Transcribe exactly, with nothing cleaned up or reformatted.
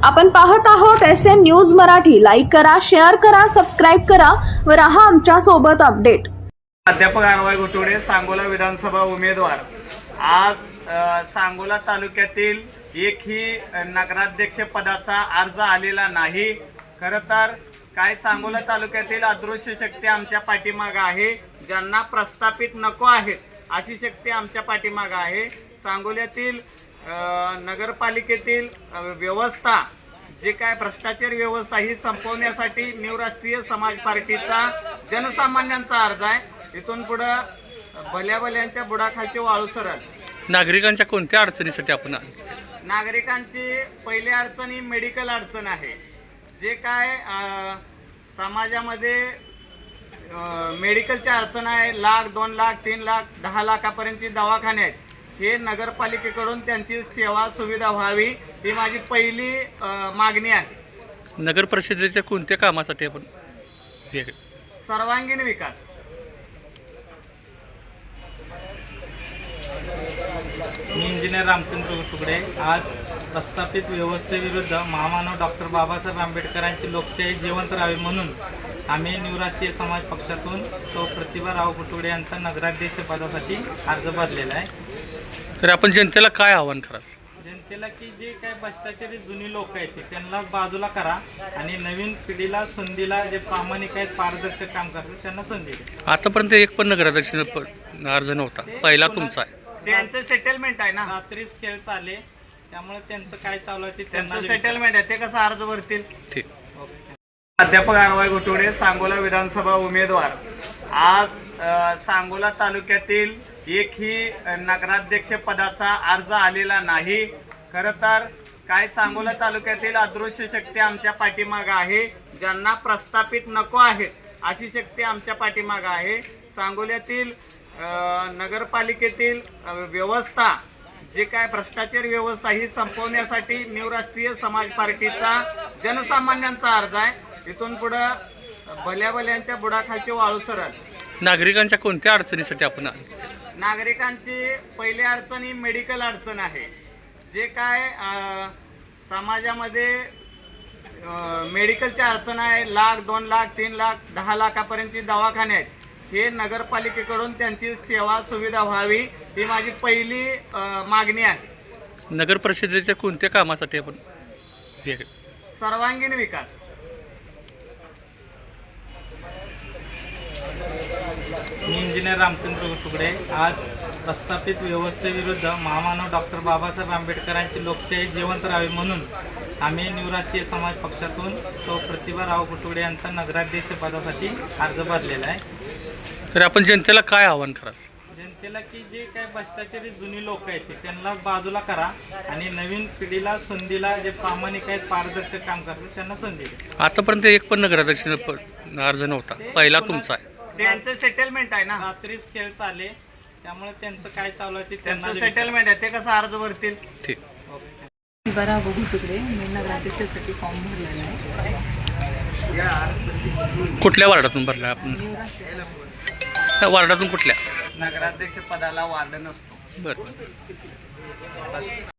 आपण पाहत आहोत S N news Marathi. Like करा, शेअर करा, सबस्क्राईब करा व रहा आमच्या सोबत अपडेट. प्राध्यापक आरवाय घोटवडे, सांगोला विधानसभा उमेदवार. आज अ, सांगोला तालुक्यातील एकही नगराध्यक्ष पदाचा अर्ज आलेला नाही. खरं तर काय सांगोला तालुक्यातील अदृश्य शक्ती आमच्या पाठीमागं आहे. ज्यांना प्रस्थापित नको आहेत अशी शक्ती आमच्या पाठीमागं आहे. सांगोल्यातील नगरपालिकेतील व्यवस्था, जे काय भ्रष्टाचार व्यवस्था ही संपवण्यासाठी न्यू राष्ट्रीय समाज पार्टीचा जनसामान्यांचा अर्ज आहे. इथून पुढं भल्या भल्यांच्या बुडाखालचे वाळू सरळ. नागरिकांच्या कोणत्या अडचणीसाठी आपण नागरिकांची पहिली अडचण ही मेडिकल अडचण आहे. जे काय समाजामध्ये मेडिकलची अडचण आहे, लाख दोन लाख तीन लाख दहा लाखापर्यंतची दवाखाने आहेत. हे नगरपालिकेकडून त्यांची सेवा सुविधा व्हावी ही माझी पहिली मागणी आहे. नगर परिषदेच्या कोणत्या कामासाठी आपण सर्वांगीण विकास. मी इंजिनियर रामचंद्र घोटवडे. आज प्रस्थापित व्यवस्थेविरुद्ध महामानव डॉक्टर बाबासाहेब आंबेडकरांची लोकशाही जिवंत राहावी म्हणून आम्ही न्यू राष्ट्रीय समाज पक्षातून सौ प्रतिभा राव घोटवडे यांचा नगराध्यक्ष पदासाठी अर्ज भरलेला आहे. तर आपण जनतेला काय आवाहन कराल? जनतेला की जे काय भ्रष्टाचारी जुनी लोक आहेत ते त्यांना बाजूला करा आणि नवीन पिढीला संधीला जे प्रामाणिक आहेत, पारदर्शक काम करतात त्यांना संधी द्या. आतापर्यंत एक पण नगराध्यक्ष अर्ज नव्हता, पहिला तुमचा आहे. त्यांचं सेटलमेंट आहे ना, रात्रीच खेळ चालले, त्यामुळे त्यांचं काय चालू आहे ते त्यांचं सेटलमेंट आहे. ते कसं अर्ज भरतील? ठीक. प्राध्यापक आरवाय घोटवडे, सांगोला विधानसभा उमेदवार. आज अ, सांगोला तालुक्यातील एकही नगराध्यक्ष पदाचा अर्ज आलेला नाही. खरं तर काय सांगोला तालुक्यातील अदृश्य शक्ती आमच्या पाठीमागं आहे. ज्यांना प्रस्थापित नको आहेत अशी शक्ती आमच्या पाठीमागं आहे. सांगोल्यातील नगरपालिकेतील व्यवस्था, जे काय भ्रष्टाचार व्यवस्था ही संपवण्यासाठी न्यू राष्ट्रीय समाज पार्टीचा जनसामान्यांचा अर्ज आहे. इथून पुढं भल्या भल्यांच्या बुडाखालचे वाळू सरळ. नागरिकांच्या कोणत्या अडचणीसाठी आपण नागरिकांची पहिली अडचण ही मेडिकल अडचण आहे. जे काय समाजामध्ये मेडिकलची अडचण आहे, लाख दोन लाख तीन लाख दहा लाखापर्यंतची दवाखाने आहेत. हे नगरपालिकेकडून त्यांची सेवा सुविधा व्हावी ही माझी पहिली मागणी आहे. नगर परिषदेच्या कोणत्या कामासाठी आपण सर्वांगीण विकास. मी इंजिनियर रामचंद्र घोटवडे. आज प्रस्थापित व्यवस्थेविरुद्ध महामानव डॉक्टर बाबासाहेब आंबेडकरांची लोकशाही जिवंत राहावी म्हणून आम्ही न्यू राष्ट्रीय समाज पक्षातून सौ प्रतिभा राव घोटवडे यांचा नगराध्यक्ष पदासाठी अर्ज भरलेला आहे. तर आपण जनतेला काय आवाहन कराल? जनतेला की जे काय भ्रष्टाचारी जुनी लोक आहेत ते त्यांना बाजूला करा आणि नवीन पिढीला संधीला जे प्रामाणिक आहेत, पारदर्शक काम करतात त्यांना संधी द्या. आतापर्यंत एक पण नगराध्यक्ष अर्ज नव्हता, पहिला तुमचा आहे. त्यांचं सेटलमेंट आहे ना, रात्रीच खेळ चालले, त्यामुळे त्यांचं काय चालू आहे ते त्यांचं सेटलमेंट आहे. ते कसं अर्ज भरतील? ठीक. प्रतिभा घोटवडे. मी नगराध्यक्षासाठी फॉर्म भरलेला आहे. कुठल्या वार्डातून भरला आपण? वार्डातून कुठल्या? नगराध्यक्ष पदाला वार्ड नसतो. बरं.